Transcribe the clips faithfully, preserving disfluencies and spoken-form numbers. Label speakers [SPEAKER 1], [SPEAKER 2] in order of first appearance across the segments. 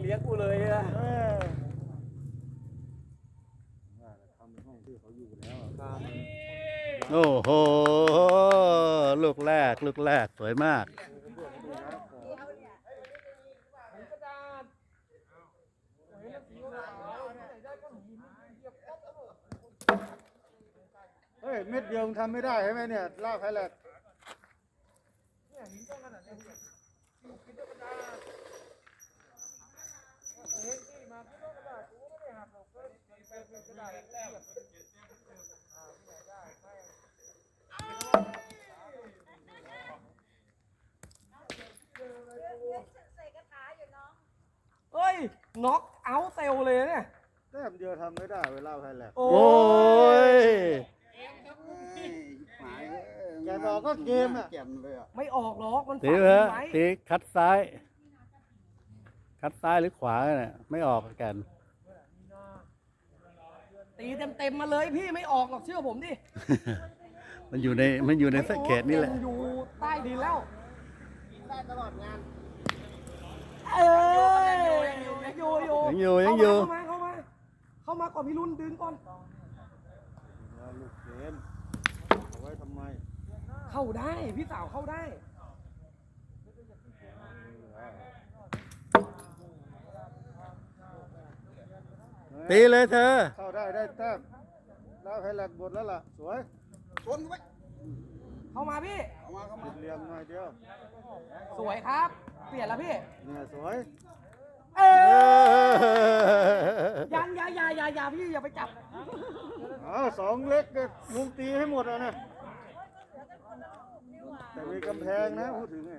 [SPEAKER 1] เลี้ยงกูเลยอะ
[SPEAKER 2] เออว่าแต่ทำเป็นห้องที่เขาอยู่แล้วอะ
[SPEAKER 3] โอ้โหลูกแรกลูกแรกสวยมาก
[SPEAKER 2] เฮ้ยเม็ดเดียวมึงทำไม่ได้ใช่ไหมเนี่ยลากไฮแลก
[SPEAKER 1] เฮ้ยน็อกเอาท์เซลเลยเนี่ย
[SPEAKER 2] แต้มเดียวทำไม่ได้เวลาไฮแลก
[SPEAKER 1] โอ้
[SPEAKER 3] โอ้ย
[SPEAKER 2] แกบอกก็เกมอ่ะ
[SPEAKER 1] ไม่ออกหรอกมัน
[SPEAKER 3] ตี
[SPEAKER 1] ฝัง
[SPEAKER 3] เถอะ
[SPEAKER 1] ไว้
[SPEAKER 3] ตีคัดซ้าย คัดซ้ายหรือขวาเนี่ยไม่ออกกัน
[SPEAKER 1] ตีเต็มๆมาเลยพี่ไม่ออกหรอกเชื่อผมดิ
[SPEAKER 3] มันอยู่ในมันอยู่ในสเขตนี่แหละ
[SPEAKER 1] มัอยู่ใต้ดินแล้วได้ตลอดงานเออยังอยู่อยู่
[SPEAKER 3] ยังอยู่ยังอยู่
[SPEAKER 1] เข้ามาเข้ามาเข้ามาก่อนพี่รุ่นดึงก่อน
[SPEAKER 2] ลูกเกมเอาไว้ทำไม
[SPEAKER 1] เข้าได้พี่สาวเข้าได้
[SPEAKER 3] ตีเลยเธอ
[SPEAKER 2] เข้าได้ได้แต้มแล้วไฮแลกบดแล้วล่ะสวย
[SPEAKER 1] เข้ามาพี่
[SPEAKER 2] ติดเหลี่ยมหน่อยเดียว
[SPEAKER 1] สวยครับ เปลี่ยนแล้วพี่
[SPEAKER 2] เนี่ยสวย
[SPEAKER 1] เออยังอย่าอย่าอย่าอย่าพี่อย่าไปจับ
[SPEAKER 2] อ้าวสองเล็กก็ลุงตีให้หมดอ่ะนะแต่มีกำแพงนะพูดถึงไง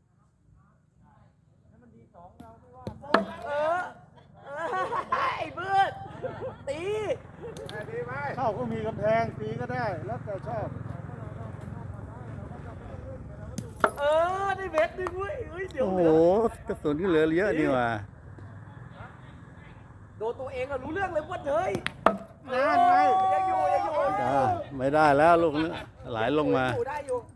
[SPEAKER 1] เออเออไอ้เบิร์ดตี
[SPEAKER 2] เข้าก็มีกำแพงตีก็ได้แล้วแต่ชอบ
[SPEAKER 1] เออได้เวทดึงเว้ยเฮ้ยเดี๋ยว
[SPEAKER 3] โอ้โห
[SPEAKER 1] เหลือก
[SPEAKER 3] ระสุนก็เหลือเยอะนี่หว่า
[SPEAKER 1] โดนตัวเองก็รู้เรื่องเลยว่าเฮ้ย
[SPEAKER 2] นั่นไง
[SPEAKER 1] ยังอยู่ยังอยู่
[SPEAKER 3] อ่าไม่ได้แล้วลูกนี้ไหลลงมา
[SPEAKER 1] อยู่ได้อยู่